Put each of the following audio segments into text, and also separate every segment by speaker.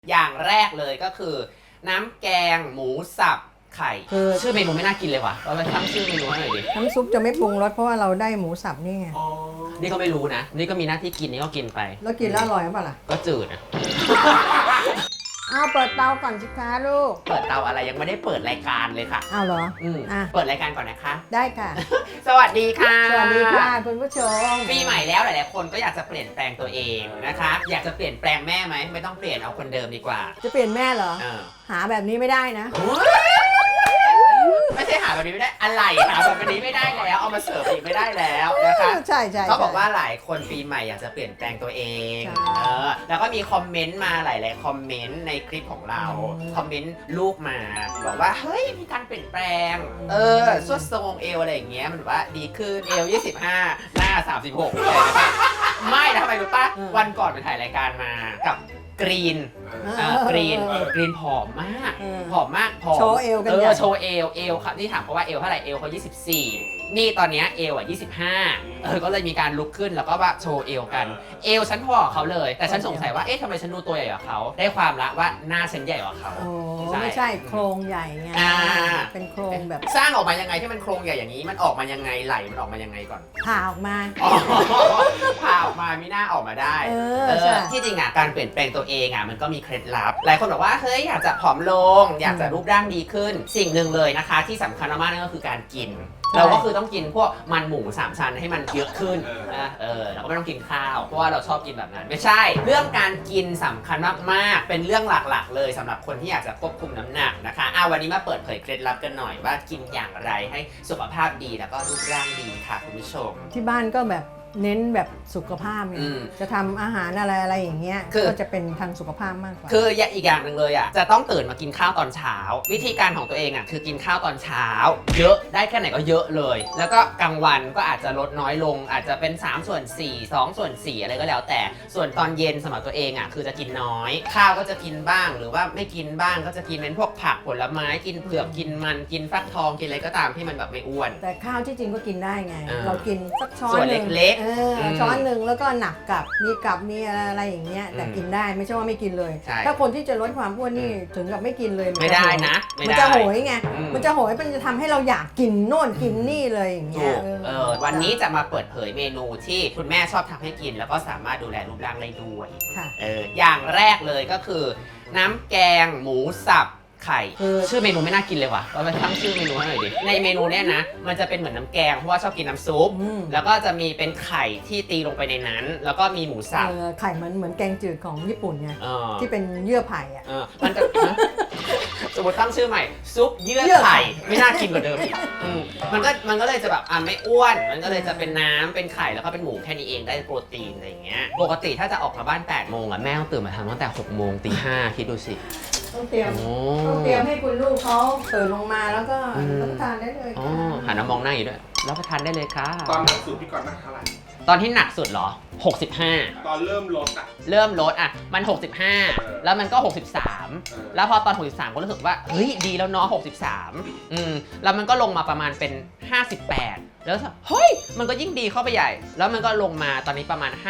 Speaker 1: อย่างแรกเลยก็คือน้ำแกงหมูสับไข่คือชื่อเมนูไม่น่ากินเลยว่ะเราไปตั้งชื่อเมนูให้หน่อยดิ
Speaker 2: น้ำซุปจะไม่ปรุงรสเพราะว่าเราได้หมูสับนี่ไง
Speaker 1: นี่ก็ไม่รู้นะนี่ก็มีหน้าที่กินนี่ก็กินไป
Speaker 2: แล้วกินแล้วอร่อยหรือเปล่าล่ะ
Speaker 1: ก็จืดนะ
Speaker 2: เอาเปิดเตาก่อนสิคะลูก
Speaker 1: เปิดเตาอะไรยังไม่ได้เปิดรายการเลยค่ะ
Speaker 2: เอาเหรอ
Speaker 1: เปิดรายการก่อนนะคะ
Speaker 2: ได้ค่ะ
Speaker 1: สวัสดีค่ะ
Speaker 2: สวัสดีค่ะคุณผู้ชม
Speaker 1: ปีใหม่แล้วหลายๆคนก็อยากจะเปลี่ยนแปลงตัวเองนะคะอยากจะเปลี่ยนแปลงแม่ไหมไม่ต้องเปลี่ยนเอาคนเดิมดีกว่า
Speaker 2: จะเปลี่ยนแม่เหรอหาแบบนี้ไม่ได้นะ
Speaker 1: ไม่ใช่หาแบบนี้ไม่ได้อะไรหาแบบนี้ไม่ได้แล้วเอามาเสิร์ฟอีกไม่ได้แล้วนะคะ
Speaker 2: ใช่ใช่
Speaker 1: เขาบอกว่าหลายคนปีใหม่อยากจะเปลี่ยนแปลงตัวเองแล้วก็มีคอมเมนต์มาหลายๆคอมเมนต์ในคลิปของเราคอมเมนต์ลูกมาบอกว่าเฮ้ยมีการเปลี่ยนแปลงสวดทรงเอวอะไรอย่างเงี้ยมันแบบว่าดีขึ้นเอว25หน้า36อะไรนะคะไม่นะทำไมรู้ป่ะวันก่อนไปถ่ายรายการมากับกรีนผอมมากผอม
Speaker 2: โชว์เอวกัน
Speaker 1: โชว์เอวครับที่ถามเขาว่าเอวเท่าไหร่เอวเขา24นี่ตอนนี้เอว25ก็เลยมีการลุกขึ้นแล้วก็ว่าโชว์เอวกันเอวฉันพอเขาเลยแต่ฉันสงสัยว่าเอ๊ะทำไมฉันดูตัวใหญ่กว่าเขาได้ความละว่าหน้าฉันใหญ่กว่าเขา
Speaker 2: ไม่ใช่โครงใหญ่ไงเป็นโครงแบบ
Speaker 1: สร้างออกมายังไงที่มันโครงใหญ่อย่างนี้มันออกมายังไงไหลมันออกมายังไงก่อน
Speaker 2: ผ่าออกมา
Speaker 1: ผ่าออกมามีหน้าออกมาได้ที่จริงอ่ะการเปลี่ยนแปลงตัวเองอ่ะมันก็มีเคล็ดลับหลายคนบอกว่าเฮ้ยอยากจะผอมลงอยากจะรูปร่างดีขึ้นสิ่งหนึ่งเลยนะคะที่สำคัญมากๆนั่นก็คือการกินเราก็คือต้องกินพวกมันหมู3ชั้นให้มันเยอะขึ้นนะเราก็ไม่ต้องกินข้าวเพราะว่าเราชอบกินแบบนั้นไม่ใช่เรื่องการกินสำคัญมากๆเป็นเรื่องหลักๆเลยสำหรับคนที่อยากจะควบคุมน้ำหนักนะคะวันนี้มาเปิดเผยเคล็ดลับกันหน่อยว่ากินอย่างไรให้สุขภาพดีแล้วก็รูปร่างดีค่ะคุณผู้ชม
Speaker 2: ที่บ้านก็แบบเน้นแบบสุขภาพไงจะทำอาหารอะไรอย่างเงี้ยก็จะเป็นทางสุขภาพมากกว่า
Speaker 1: คืออีกอย่างหนึ่งเลยอ่ะจะต้องตื่นมากินข้าวตอนเช้าวิธีการของตัวเองอ่ะคือกินข้าวตอนเช้าเยอะได้แค่ไหนก็เยอะเลยแล้วก็กลางวันก็อาจจะลดน้อยลงอาจจะเป็น3/4 2/4อะไรก็แล้วแต่ส่วนตอนเย็นสำหรับตัวเองอ่ะคือจะกินน้อยข้าวก็จะกินบ้างหรือว่าไม่กินบ้างก็จะกินเป็นพวกผักผลไม้กินเผือกกินมันกินฟักทองกินอะไรก็ตามที่มันแบบไม่อ้วน
Speaker 2: แต่ข้าวที่จริงก็กินได้ไงเรากินสักช้อน
Speaker 1: นึงเล็ก
Speaker 2: ช้อนหนึ่งแล้วก็หนักกับมีอะไรอย่างเงี้ยแต่กินได้ไม่ใช่ว่าไม่กินเลยถ้าคนที่จะลดความอ้วนนี่ถึงกับไม่กินเลย
Speaker 1: ไม่ได้นะ
Speaker 2: มันจะโหยไงมันจะโหยมันจะทำให้เราอยากกินโน่นกินนี่เลยอย่างเงี้ย
Speaker 1: วันนี้จะมาเปิดเผยเมนูที่คุณแม่ชอบทำให้กินแล้วก็สามารถดูแลรูปร่างได้ด้วยอย่างแรกเลยก็คือน้ำแกงหมูสับไข่ชื่อเมนูไม่น่ากินเลยว่ะเราไปตั้งชื่อเมนูให้หน่อยดิในเมนูเนี้ยนะมันจะเป็นเหมือนน้ำแกงเพราะว่าชอบกินน้ำซุปแล้วก็จะมีเป็นไข่ที่ตีลงไปในนั้นแล้วก็มีหมูสับ
Speaker 2: ไข่เหมือนแกงจืดของญี่ปุ่นไงที่เป็นเยื่อไผ่อ่ะ
Speaker 1: มันจะสมมติตั้งชื่อใหม่ซุปเยื่อไข่ไม่น่ากินกว่าเดิมอีกมันก็เลยจะแบบไม่อ้วนมันก็เลยจะเป็นน้ำเป็นไข่แล้วก็เป็นหมูแค่นี้เองได้โปรตีนอะไรอย่างเงี้ยปกติถ้าจะออกมาบ้าน8 โมงอ่ะแม่ต้องตื่นมาทำตั้งแต่6 โมงตี 5คิดดูสิ
Speaker 2: ต้องเตรียมให้คุณลูกเขาตื่นลงมาแล้วก็รับประทานได้เลย
Speaker 1: หันมามองหน้าอยู่ด้วยรับประทานได้เลยค่ะ
Speaker 3: ตอนหนักสุดพี่ก่อนหนักเท่าไหร่
Speaker 1: ตอนที่หนักสุดเหรอ65
Speaker 3: ตอนเริ่มลด
Speaker 1: มัน65แล้วมันก็63แล้วพอตอน63ก็รู้สึกว่าเฮ้ยดีแล้วเนาะ63แล้วมันก็ลงมาประมาณเป็น58แล้วเฮ้ยมันก็ยิ่งดีเข้าไปใหญ่แล้วมันก็ลงมาตอนนี้ประมาณ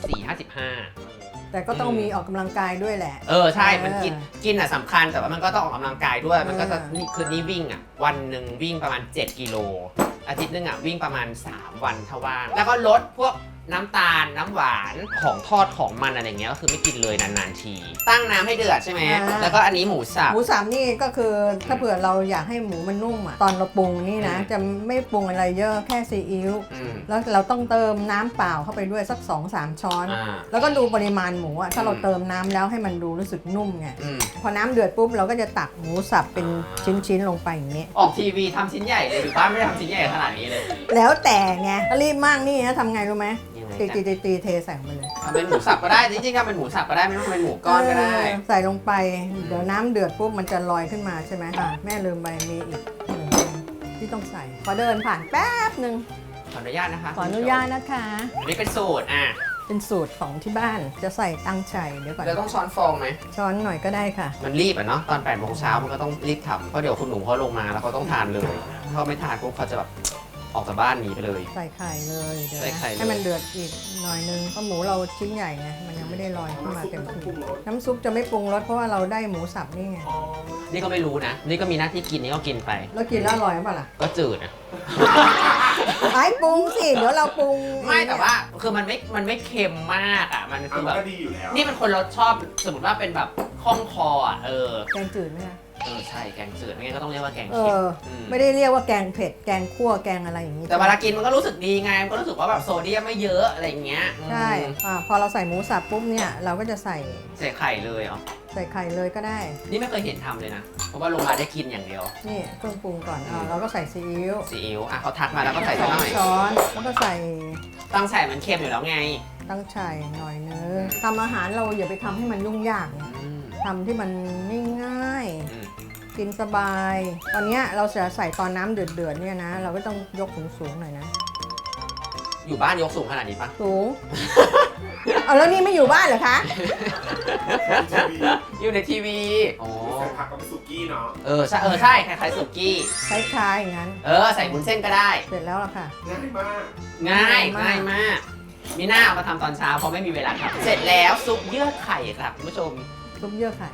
Speaker 1: 54-55
Speaker 2: แต่ก็ต้องมีออกกำลังกายด้วยแหละ
Speaker 1: ใช่มันกินอ่ะสำคัญแต่ว่ามันก็ต้องออกกำลังกายด้วยมันก็จะนี่วิ่งอ่ะวันหนึ่งวิ่งประมาณ7 กิโลอาทิตย์นึงอ่ะวิ่งประมาณ3 วันถ้าว่างแล้วก็ลดพวกน้ำตาลน้ำหวานของทอดของมันอะไรเงี้ยก็คือไม่กินเลยนานๆทีตั้งน้ำให้เดือดใช่ไหมแล้วก็อันนี้หมูสับ
Speaker 2: นี่ก็คือถ้าเผื่อเราอยากให้หมูมันนุ่มอ่ะตอนเราปรุงนี่นะจะไม่ปรุงอะไรเยอะแค่ซีอิ๊วแล้วเราต้องเติมน้ำเปล่าเข้าไปด้วยสัก 2-3 ช้อนแล้วก็ดูปริมาณหมูอ่ะถ้าเราเติมน้ำแล้วให้มันดูรู้สึกนุ่มไงพอน้ำเดือดปุ๊บเราก็จะตักหมูสับเป็นชิ้นๆลงไปอย่างนี้
Speaker 1: ออกทีวีทำชิ้นใหญ่เลยหรือบ้านไม่ได้ทำชิ้นใหญ่ขนาดนี้เลย
Speaker 2: แล้วแต่ไงรีบมากนี่นะทำไงรู้ไหมตีเทใส่ลงไปเลย
Speaker 1: เป็นหมูสับก็ได้จริงๆก็เป็นหมูสับก็ได้ไม่ต้องเป็นหมูก้อนก็ได้
Speaker 2: ใส่ลงไปเดี๋ยวน้ำเดือดปุ๊บมันจะลอยขึ้นมาใช่ไหมแม่ลืมไปมีอีกที่ต้องใส่ขอเดินผ่านแป๊บนึง
Speaker 1: ขออนุญาตนะคะ
Speaker 2: ขออนุญาตนะคะ
Speaker 1: อันนี้เป็นสูตร
Speaker 2: เป็นสูตรของที่บ้านจะใส่ตังไช่เดี๋ยวก่อน
Speaker 1: เราต้องช้อนฟองไหม
Speaker 2: ช้อนหน่อยก็ได้ค่ะ
Speaker 1: มันรีบเนาะตอน8 โมงเช้ามันก็ต้องรีบทำเพราะเดี๋ยวคุณหนูเขาลงมาแล้วเขาต้องทานเลยถ้าไม่ทานปุ๊บเขาจะแบบออกจากบ้านหนีไปเลย
Speaker 2: ใส่ไข่เลยเดี๋ยว
Speaker 1: ใส่
Speaker 2: นะ
Speaker 1: ไข่เลย
Speaker 2: ให้มันเดือดอีกหน่อยนึงเพราะหมูเราชิ้นใหญ่ไงมันยังไม่ได้ลอยขึ้นมาเต็มที่น้ำซุปจะไม่ปรุงรสเพราะว่าเราได้หมูสับนี่ไง
Speaker 1: นี่ก็ไม่รู้นะ นี่ก็มีหน้าที่กินนี่ก็กินไป
Speaker 2: แล้วกินแล้วอร่อยเปล่าล่ะ
Speaker 1: ก็จืดนะ
Speaker 2: ไอ้ปรุงสิเดี๋ยวเราปรุง
Speaker 1: ไม่แต่ว่าคือมันไม่เค็มมากอ่ะมันคือแบบ
Speaker 3: ก็ดีอยู่แล้ว
Speaker 1: นี่เป็นคนรสชอบสมมติว่าเป็นแบบคล่องคออ่ะ
Speaker 2: แกงจืดไหมคะ
Speaker 1: ใช่แกงจืดไม่งั้นก็ต้องเรียกว่าแกง
Speaker 2: เอ
Speaker 1: เค็ม
Speaker 2: อไม่ได้เรียกว่าแกงเผ็ดแกงคั่วแกงอะไรอย่างนี้
Speaker 1: แต่เวลากินมันก็รู้สึกดีไงมันก็รู้สึกว่าแบบโซเดียมไม่เยอะอะไรอย่างเงี้ย
Speaker 2: ใช่พอเราใส่หมูสับปุ๊บเนี่ยเราก็จะใส่
Speaker 1: ใส่ไข่เลยเหรอ
Speaker 2: ใส่ไข่เลยก็ได้
Speaker 1: นี่ไม่เคยเห็นทำเลยนะเพราะว่าลงมาได้กินอย่างเดียว
Speaker 2: นี่เครื่องปรุงก่อนเราก็ใส่ซีอิ๊ว
Speaker 1: ซีอิ๊วอ่ะเขาทักมาแล้วก็ใส่
Speaker 2: ส
Speaker 1: สัก
Speaker 2: อ
Speaker 1: ห
Speaker 2: ง
Speaker 1: น่อย
Speaker 2: ช้อนแล้วก็ใส่
Speaker 1: ตั้งใส่มันเค็มอยู่แล้วไง
Speaker 2: ตั้งไช่หน่อยนึงทำอาหารเราอย่าไปทำให้มันยุ่งยากไง
Speaker 1: อืม
Speaker 2: ทำที่มันง่าย
Speaker 1: อืม
Speaker 2: ๆกินสบาย ตอนเนี้ยเราจะใส่ตอนน้ำเดือดๆเนี่ยนะ เราก็ต้องยกสูงๆหน่อยนะ
Speaker 1: อยู่บ้านยกสูงขนาดนี้ปะ
Speaker 2: สูง เอาแล้วนี่ไม่อยู่บ้านเหรอคะ
Speaker 3: ทีวี
Speaker 1: อยู่ในทีวีอ๋อ
Speaker 3: ใส่ผักกับสุกี้เนาะ
Speaker 1: ใช่ใช่คล้ายๆสุกี้
Speaker 2: คล้ายๆอย่างนั้น
Speaker 1: ใส่บุนเส้นก็ได้
Speaker 2: เสร็จแล้วล่ะค่ะ
Speaker 3: ง่ายมาก
Speaker 1: ง่าย
Speaker 2: ง่ายมาก
Speaker 1: ง่ายมาก มีหน้าเอามาทำตอนเช้าเพราะไม่มีเวลาทำเสร็จแล้วซุปเยื่อไข่ครับคุณผู้ชม
Speaker 2: ซุปเยื่อไข่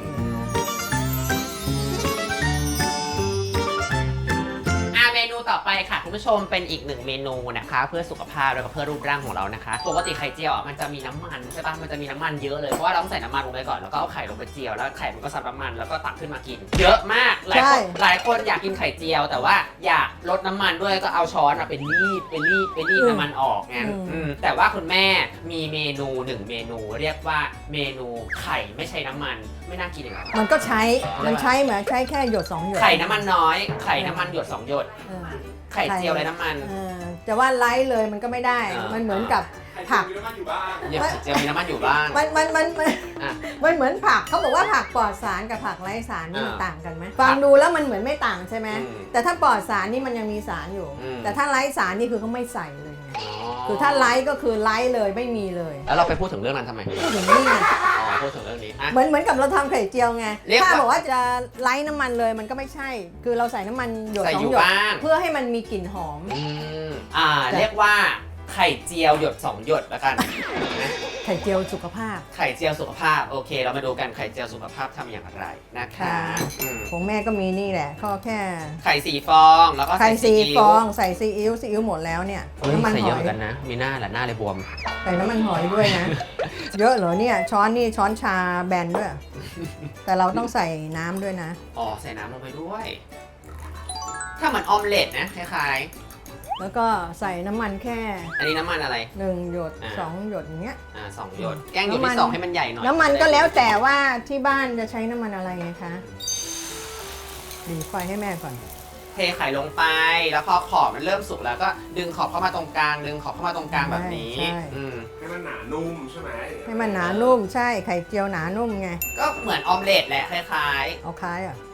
Speaker 1: เมนูต่อไปค่ะคุณผู้ชมเป็นอีกหนึ่งเมนูนะคะเพื่อสุขภาพแล้วก็เพื่อรูปร่างของเรานะคะปกติไข่เจียวอ่ะมันจะมีน้ำมันใช่ปะมันจะมีน้ำมันเยอะเลยเพราะว่าเราต้องใส่น้ำมันลงไปก่อนแล้วก็เอาไข่ลงไปเจียวแล้วไข่มันก็ซับน้ำมันแล้วก็ตักขึ้นมากิน เยอะมากหลายคนอยากกินไข่เจียว แต่ว่าอยากลดน้ำมันด้วยก็เอาช้อนมาเป็นรีดน้ำมันออกไงแต่ว่าคุณแม่มีเมนูหนึ่งเมนูเรียกว่าเมนูไข่ไม่ใช้น้ำมันไม่น่ากินเลย
Speaker 2: มันก็ใช้เหมือนใช้แค่หยด2หยด
Speaker 1: ไข่น้ำมันน้อยไข่น้ำมันหยด2หยด
Speaker 2: เออ
Speaker 1: ไข่เจียวไรน้ำมัน
Speaker 2: จะว่าไลท์เลยมันก็ไม่ได้ มันเหมือนกับ ผัก
Speaker 3: มีน้ำมันอยู่บ้าง
Speaker 1: เจียวมีน้ำมันอยู่บ้าง
Speaker 2: มัน
Speaker 1: อ่ะ
Speaker 2: เหมือนผักเขาบอกว่าผักปลอดสารกับผักไร้สารนี่มันต่างกันไหมฟังดูแล้วมันเหมือนไม่ต่างใช่ไหม
Speaker 1: อืม
Speaker 2: แต่ถ้าปลอดสารนี่มันยังมีสารอยู่
Speaker 1: อืม
Speaker 2: แต่ถ้าไร้สารนี่คือเขาไม่ใส่เลยไงคือถ้าไร้ก็คือไร้เลยไม่มีเลย
Speaker 1: แล้วเราไปพูดถึงเรื่องนั้นทำไม
Speaker 2: พูดถึงนี่ไง
Speaker 1: อ๋อพูดถึงเรื่องนี้อ่ะ
Speaker 2: เหมือนกับเราทำไข่เจียวไง
Speaker 1: เรียกว่า
Speaker 2: ถ้าบอกว่าจะไร้น้ำมันเลยมันก็ไม่ใช่ คือเราใส่น้ำมันหยด
Speaker 1: ใส่
Speaker 2: สอ
Speaker 1: อง ยู่
Speaker 2: หยด
Speaker 1: บ้าง
Speaker 2: เพื่อให้มันมีกลิ่นหอม
Speaker 1: อืมเรียกว่าไข่เจียวหยด2หยดแล้วกันนะ
Speaker 2: ไข่เจียวสุขภาพ
Speaker 1: ไข่เจียวสุขภาพโอเค เรามาดูกันไข่เจียวสุขภาพทำอย่างไรนะคะ
Speaker 2: ค่ะ
Speaker 1: อืม
Speaker 2: ของแม่ก็มีนี่แหละก็แค่
Speaker 1: ไข่4 ฟองแล้วก็
Speaker 2: ไข่
Speaker 1: ใส่
Speaker 2: ซี
Speaker 1: ซีอิ๊
Speaker 2: ฟ
Speaker 1: ว
Speaker 2: องใส่ซีอิ๊วหมดแล้วเนี่ย
Speaker 1: เฮ้ย
Speaker 2: น้ำมัน
Speaker 1: ใส่
Speaker 2: ห
Speaker 1: เยอะ
Speaker 2: อ
Speaker 1: เหมื
Speaker 2: ย
Speaker 1: อนกันนะ มีหน้าแหละหน้าเลยบวม
Speaker 2: ใส่น้ำมันหอยด้วยนะ เยอะเหรอเนี่ยช้อนนี่ช้อนชาแบนด้วย แต่เราต้องใส่น้ำด้วยนะ
Speaker 1: อ๋อใส่น้ำลงไปด้วย ถ้าเหมือนออมเล็ตนะคล้าย
Speaker 2: แล้วก็ใส่น้ำมันแค่
Speaker 1: ๆ อันนี้น้ำมันอะไร
Speaker 2: 1 หยด
Speaker 1: อ่า
Speaker 2: 2 หยดอย่างเงี้ย
Speaker 1: 2 หยด แกล้งหยด
Speaker 2: น้ำมัน
Speaker 1: ที่ 2 ให้มันใหญ่หน่อย
Speaker 2: น้ำมันก็แล้วแต่ว่าที่บ้านจะใช้น้ำมันอะไรไงคะดีไฟให้แม่ก่อน
Speaker 1: เทไข่ลงไป แล้วพอขอบมันเริ่มสุกแล้วก็ดึงขอบเข้ามาตรงกลาง ดึงขอบเข้ามาตรงกลางแบบนี้
Speaker 2: ใช่
Speaker 1: อืม
Speaker 3: ให้มันหนานุ่มใช่ไหม
Speaker 2: ให้มันหนานุ่มใช่ไข่เจียวหนานุ่มไง
Speaker 1: ก็เหมือนออมเล็ตแหละคล้าย
Speaker 2: เอาคล้ายอ่ะ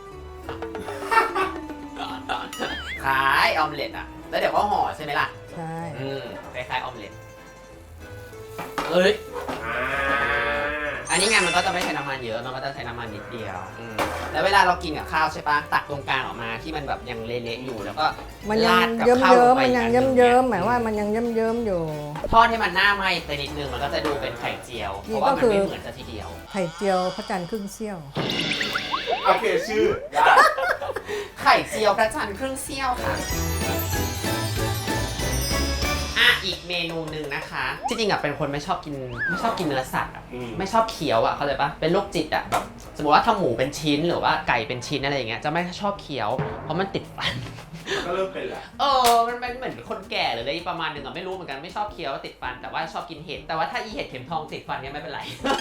Speaker 1: ๆ คล้ายออมเล็ตอ่ะ แล้วเดี๋ยวก็ห่อใช่ไหมล่ะ
Speaker 2: ใช่
Speaker 1: คล้ายๆออมเล็ตเอ้ย
Speaker 3: อ่า
Speaker 1: อันนี้ไงมันก็จะไม่ใช้น้ำมันเยอะ มันก็จะใช้น้ำมันนิดเดียวแล้วเวลาเรากินกับข้าวใช่ปะตักตรงกลางออกมาที่มันแบบยังเละๆอยู่แล้วก็
Speaker 2: มันยัง
Speaker 1: ราดกับ
Speaker 2: เยิ้ม
Speaker 1: ข้าว
Speaker 2: เยิ้
Speaker 1: ล
Speaker 2: ม
Speaker 1: งไป
Speaker 2: มันยัง
Speaker 1: อีก
Speaker 2: เยิ้ม
Speaker 1: อันหนึ่ง
Speaker 2: เยิ้มหมายว่ามันยังเยิ้มเยิ้มอยู่
Speaker 1: ทอดให้มันหน้าไหม้ไปนิดนึงมันก็จะดูเป็นไข่เจียว เพ
Speaker 2: นี่
Speaker 1: ราะว่า
Speaker 2: ก็
Speaker 1: มัน
Speaker 2: คือ
Speaker 1: ไม่เหมือนจะทีเดียว
Speaker 2: ไข่เจียวพระจันทร์ครึ่งเสี้ยว
Speaker 3: โอเคชื่อได้
Speaker 1: ไข่เจียวพระจันทร์ครึ่งเสี้ยวค่ะอีกเมนูหนึ่งนะคะที่จริงอ่ะเป็นคนไม่ชอบกินเนื้อสัตว์อ่ะไม่ชอบเคี้ยวอ่ะเขาเลยปะเป็นโรคจิตอ่ะแบบสมมติว่าถ้าหมูเป็นชิ้นหรือว่าไก่เป็นชิ้นอะไรอย่างเงี้ยจะไม่ชอบเคี้ยวเพราะมันติดฟัน
Speaker 3: ก็เริ่มเป็นแหละ
Speaker 1: มันเป็นเหมือนคนแก่หรืออะไรประมาณหนึงอ่ะไม่รู้เหมือนกันไม่ชอบเคี้ยวติดฟันแต่ว่าชอบกินเห็ดแต่ว่าถ้าอีเห็ดเข็มทองติดฟันเนี่ยไม่เป็นไร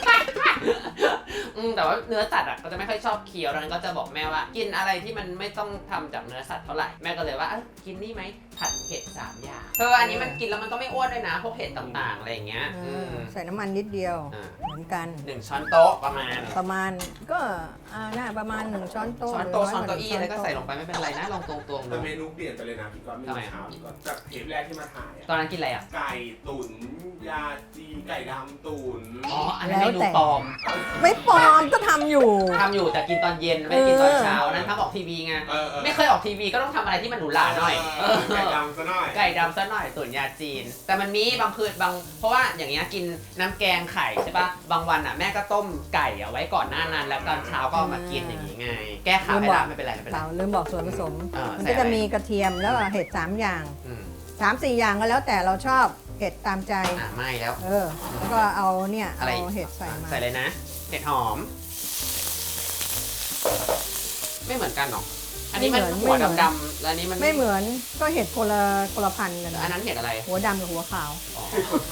Speaker 1: แต่ว่าเนื้อสัตว์อ่ะก็จะไม่ค่อยชอบเคี้ยวดังนั้นก็จะบอกแม่ว่า กินอะไรที่มันไม่ต้องทำจากเนื้อสัตว์เท่าไหร่แม่ก็เลยว่ากินนี่ไหมผัดเห็ด3 อย่างอันนี้มันกินแล้วมันก็ไม่อ้วนด้วยนะพวกเห็ดต่างๆอะไรอย่างเงี้ย
Speaker 2: ใส่น้ำมันนิดเดียว เหมือนกัน
Speaker 1: 1 ช้อนโต๊ะประมาณ
Speaker 2: ก็น่าประมาณ1 ช้อนโต๊ะ
Speaker 1: ช้อนโต๊ะช้อนเก้าอี้อะไรก็ใส่ลงไปไม่เป็นไรนะลองตรงๆ
Speaker 3: แต่
Speaker 1: ดู
Speaker 3: เมนูเปลี่ยนไปเลยนะพี่ก๊อตเมนูเช้าพี่ก๊อตจากเทปแรกที่มาถ่ายอะ
Speaker 1: ตอนนั้นกินอะไรอ่ะ
Speaker 3: ไก่ตุ๋นยาจีไก่ดำตุ๋น
Speaker 1: อันนั้นเมนูปลอม
Speaker 2: ไม่ปลอมก็ทำอยู่
Speaker 1: ททำอยู่แต่กินตอนเย็นไม่ได้กินตอนเช้านั้นทำออกทีวีไง ไม่เคยออกทีวีก็ต้องทำอะไรที่มันหรูหราหน่อย
Speaker 3: ไก่ดำซะหน่อย
Speaker 1: ไก่ดำซะหน่อยตุ๋นยาจีน แต่มันมีบางคืนเพราะว่าอย่างเงี้ยกินน้ำแกงไข่ใช่ปะบางวันอ่ะแม่ก็ต้มไก่เอาไว้ก่อนหน้านั้นแล้วตอนเช้าก็เอามากินอย่างงี้ไง แก้ข่าวให้ละไม่เป็นไรไม่เป็นไร
Speaker 2: เราลืมบอกส่วนผสม มัน
Speaker 1: ใส่
Speaker 2: ก็
Speaker 1: อะไร
Speaker 2: จะมีกระเทียมแล้วก็เห็ด3 อย่าง
Speaker 1: อืม
Speaker 2: 3-4 อย่างก็แล้วแต่เราชอบเห็ดตามใจ
Speaker 1: ไม่แล้ว
Speaker 2: แล้วก็เอาเนี่ย
Speaker 1: อะไร
Speaker 2: เอาเห็ดใส่มา
Speaker 1: ใส่เลยนะ เห็ดหอม ไม่เหมือนกันหรออันนี้มันหัวดำๆแล้วอันนี้มัน
Speaker 2: ไม่เหมือนก็เห็ดคนละพันธุ์กัน
Speaker 1: อันนั้นเห็ดอะไร
Speaker 2: หัวดำกับหัวขาว
Speaker 1: อ๋อ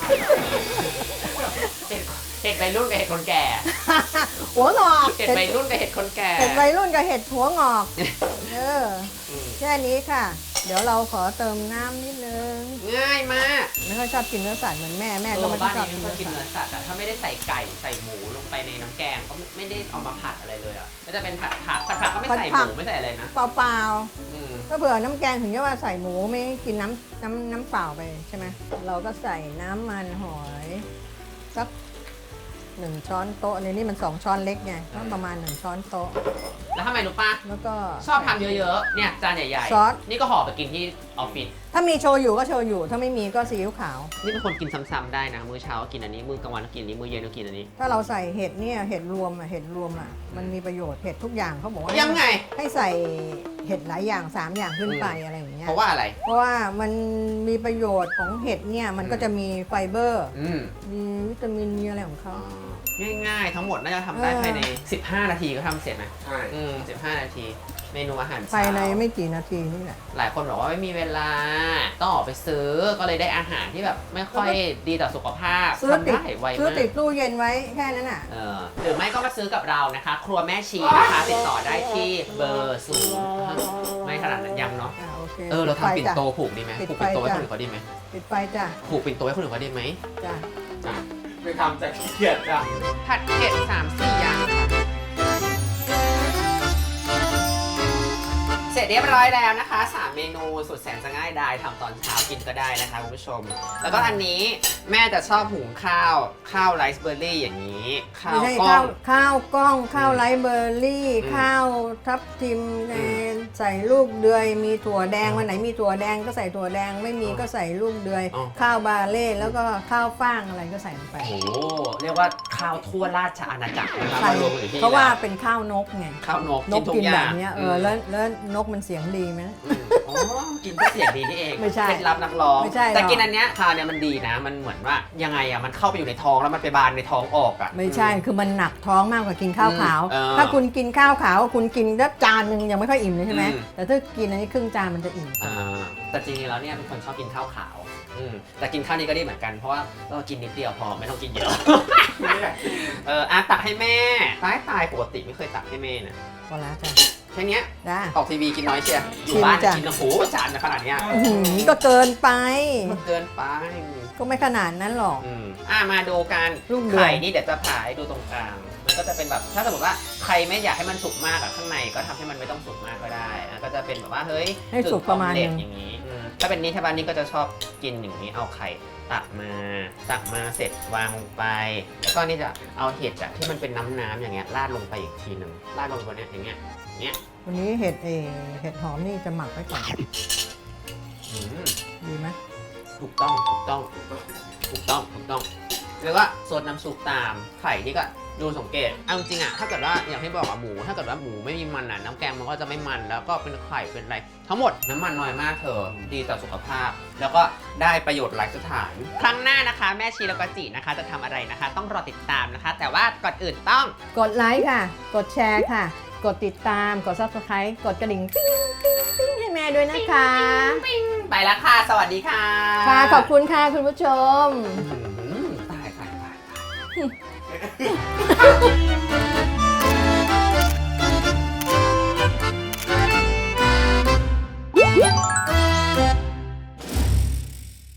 Speaker 1: เห็ดวัยรุ่นกับเห็ดคนแก่
Speaker 2: หัวงอก
Speaker 1: เห็ดวัยรุ่นกับเห็ดคนแก่
Speaker 2: เห็ดวัยรุ่นกับเห็ดหัวงอก
Speaker 1: ม
Speaker 2: แค่นี้ค่ะ เดี๋ยวเราขอเติมน้ำนิดนึง
Speaker 1: ง่ายมาก
Speaker 2: ไม่ค่อยชอบกินเนื้อสัตว์เหมือนแม่ก็ไม่ค่
Speaker 1: บ้า
Speaker 2: อน ยชอบ
Speaker 1: นี้
Speaker 2: กิน
Speaker 1: ไม่ค่
Speaker 2: เนื้
Speaker 1: อย
Speaker 2: อ
Speaker 1: กิน
Speaker 2: สัตว์
Speaker 1: เนื้อสัตว์อะถ้าไม่ได้ใส่ไก่ใส่หมูลงไปในน้ำแกงก็ไม่ได้เอามาผัดอะไรเลยอะก็จะเป็นผัดผักก็ไม่ใส่หมูไม่ใส่อะไรนะ
Speaker 2: เปล่า
Speaker 1: อืม
Speaker 2: ๆก็เผื่อน้ำแกงถึงจะว่าใส่หมูไม่กินน้ำเปล่าไปใช่ไหมเราก็ใส่น้ำมันหอยสัก1 ช้อนโต๊ะในนี่มัน2 ช้อนเล็กไงก็ประมาณ1 ช้อนโต๊ะ
Speaker 1: แล้วทำไมรู้ป่ะ
Speaker 2: แล้วก็
Speaker 1: ชอบทำเยอะๆเนี่ยจานใหญ่
Speaker 2: ซอส
Speaker 1: ๆนี่ก็ห่อไปกินที่ออฟฟิศ
Speaker 2: ถ้ามีโชยุก็โชยุถ้าไม่มีก็ซีอิ๊วขาว
Speaker 1: นี่เป็นคนกินซ้ำๆได้นะมื้อเช้าก็กินอันนี้มื้อกลางวันก็กินอันนี้มื้อเย็นก็กินอันนี้
Speaker 2: ถ้าเราใส่เห็ดเนี่ยเห็ดรวมมันมีประโยชน์เห็ดทุกอย่างเขาบอกว่า
Speaker 1: ยังไง
Speaker 2: ให้ใส่เห็ดหลายอย่าง3 อย่างขึ้นไปอะไรอย่างเงี้ย
Speaker 1: เพราะว่าอะไร
Speaker 2: เพราะว่ามันมีประโยชน์ของเห็ดเนี่ยมันก็จะมีไฟเบอร์
Speaker 1: อืม
Speaker 2: มีวิตามินมีอะไรของเขา
Speaker 1: ง่ายๆ ทั้งหมดน่าจะทำได้ภายใน15 นาทีก็ทำเสร็จนะ
Speaker 3: ใช่
Speaker 1: 15 นาที เมนูอาหารเช้า
Speaker 2: ภายในไม่กี่นาทีนี่แหละ
Speaker 1: หลายคนบอกว่าไม่มีเวลาต้องออกไปซื้อก็เลยได้อาหารที่แบบไม่ค่อยดีต่อสุขภาพ
Speaker 2: ซื้อ
Speaker 1: ทำ
Speaker 2: ติด
Speaker 1: ได้ไว
Speaker 2: ซื้อ
Speaker 1: มาก
Speaker 2: ติดตู้เย็นไว้แค่นั้นอ่ะ
Speaker 1: หรือไม่ก็มาซื้อกับเรานะคะ ครัวแม่ชีนะคะติดต่อได้ที่เบอร์0ไม่ขนาดนั้นยังเนาะ
Speaker 2: โอเค
Speaker 1: เราทำปิ่นโต
Speaker 2: จ้ะ
Speaker 1: ผูกดีไหม
Speaker 2: ปิด
Speaker 1: ผูก
Speaker 2: ไฟ
Speaker 1: ปิ่นโตไว้
Speaker 2: จ้ะ
Speaker 1: คนอื่นเขาดีไหม
Speaker 2: ปิดไฟจ้ะ
Speaker 1: ผูกปิ่นโตไว้คนอื่นเขาดีไหม
Speaker 2: จ้ะ
Speaker 1: อ่ะ
Speaker 3: ไปทำจากขี้เกียจจ้ะ
Speaker 1: ผัดเผ็ด3-4 อย่างค่ะเสร็จเรียบร้อยแล้วนะคะ 3 เมนูสุดแสนจะง่ายดายทำตอนเช้ากินก็ได้นะคะคุณผู้ชม แล้วก็อันนี้แม่จะชอบหุงข้าวไรซ์เบอร์รี่อย่างนี้ ข้า
Speaker 2: ไม่
Speaker 1: ว
Speaker 2: ใช่
Speaker 1: กล้อง
Speaker 2: ข้าวกล้องข้าวไรซ์เบอร์รี่
Speaker 1: อืม
Speaker 2: ข้าวทับทิมใส่ลูกเดือยมีถั่วแดงวันไหนมีถั่วแดงก็ใส่ถั่วแดงไม่มีก็ใส่ลูกเดือย
Speaker 1: อ๋อ
Speaker 2: ข้าวบาเล่แล้วก็ข้าวฟ่างอะไรก็ใส่ลงไป
Speaker 1: โอ้โหเรียกว่าข้าวทั่วราชอาณาจักรนะคะ
Speaker 2: ใส่
Speaker 1: มารวมอยู่ที่
Speaker 2: เพราะว่า
Speaker 1: แล้ว
Speaker 2: เป็นข้าวนกไง
Speaker 1: ข้าวนก
Speaker 2: น
Speaker 1: กิ
Speaker 2: ก
Speaker 1: นทุก
Speaker 2: กิน
Speaker 1: อ
Speaker 2: แบ
Speaker 1: ย่าง
Speaker 2: บเนี้ยแล้วนกมันเสียงดีไหม
Speaker 1: อ๋อกินเพื่อเสียงดีนี่เอง
Speaker 2: ไม่ใช่
Speaker 1: เคล็ดลับนักร้อง
Speaker 2: ไม่ใช่หรอก
Speaker 1: แต่กินอันเนี้ยทานเนี่ยมันดีนะ มันเหมือนว่ายังไงอะมันเข้าไปอยู่ในท้องแล้วมันไปบานในท้องออกอะ
Speaker 2: ไม่ใช่คือมันหนักท้องมากกว่ากินข้าวขาว ถ้าคุณกินข้าวขาวคุณกินได้จานหนึ่งยังไม่ค่อยอิ่มเลยใช่ไหมแต่ถ้ากินอันนี้ครึ่งจานมันจะอิ่ม
Speaker 1: แต่จริงๆแล้วเนี่ยเป็นคนชอบกินข้าวขาวแต่กินข้าวนี้ก็ดีเหมือนกันเพราะว่ากินนิดเดียวพอไม่ต้องกินเยอะ
Speaker 3: ไม่ได้
Speaker 1: ตักให้แม่ตายปกติไม่เคยตักให้แม่นะ
Speaker 2: พอแล้วจ้ะ
Speaker 1: แค่เนี้ย
Speaker 2: จ้า
Speaker 1: ออกทีวีกินน้อยเชียอยู่
Speaker 2: ชิม
Speaker 1: บ้าน
Speaker 2: จ้ะ
Speaker 1: กินโอ้โหจานขนาดเนี้ย
Speaker 2: ก็เกินไป
Speaker 1: มันเกินไป
Speaker 2: ก็ไม่ขนาดนั้นหรอก
Speaker 1: มาดูกัน
Speaker 2: ลูกเดือย
Speaker 1: ไข่นี่เดี๋ยวจะผ่าให้ดูตรงกลาง มันก็จะเป็นแบบถ้าสมมติว่าใครไม่อยากให้มันสุกมากอะข้างในก็ทำให้มันไม่ต้องสุกมากก็ได้นะก็จะเป็นแบบว่าเฮ้ย
Speaker 2: ให้สุกประมาณ
Speaker 1: เด็
Speaker 2: นึ
Speaker 1: ก
Speaker 2: ง
Speaker 1: อย่างนี้ถ้าเป็นนี้ชาวบ้านนี่ก็จะชอบกินอย่างนี้เอาไข่ตักมาเสร็จวางลงไป แล้วก็นี่จะเอาเห็ดอะที่มันเป็นน้ำๆอย่างเงี้ยราดลงไปอีกทีหนึ่งราดลงบนเนี้ยอย่างเงี้ย
Speaker 2: วันนี้เห็ดหอมนี่จะหมักไว้ก่อน
Speaker 1: อืม
Speaker 2: ดีไหม
Speaker 1: ถูกต้องแล้วก็ซดน้ำซุปตามไข่นี่ก็ดูสังเกตเอาจริงอะถ้าเกิดว่าอย่างที่บอกอะหมูถ้าเกิดว่าหมูไม่มีมันอะน้ำแกงมันก็จะไม่มันแล้วก็เป็นไข่เป็นอะไร ทั้งหมดน้ำมันน้อยมากเธอดีต่อสุขภาพ แล้วก็ได้ประโยชน์หลายสถาน ครั้งหน้านะคะ แม่ชีแล้วก็จีนะคะจะทำอะไรนะคะ ต้องรอติดตามนะคะ แต่ว่าก่อนอื่นต้อง
Speaker 2: กดไลค์ค่ะ กดแชร์ค่ะ กดติดตามกด Subscribe กดกระดิ่งปิ้งให้แม่ด้วยนะคะ
Speaker 1: ไปแล้วค่ะ สวัสดีค่ะ
Speaker 2: ค่ะขอบคุณค่ะคุณผู้ชม
Speaker 1: ตาย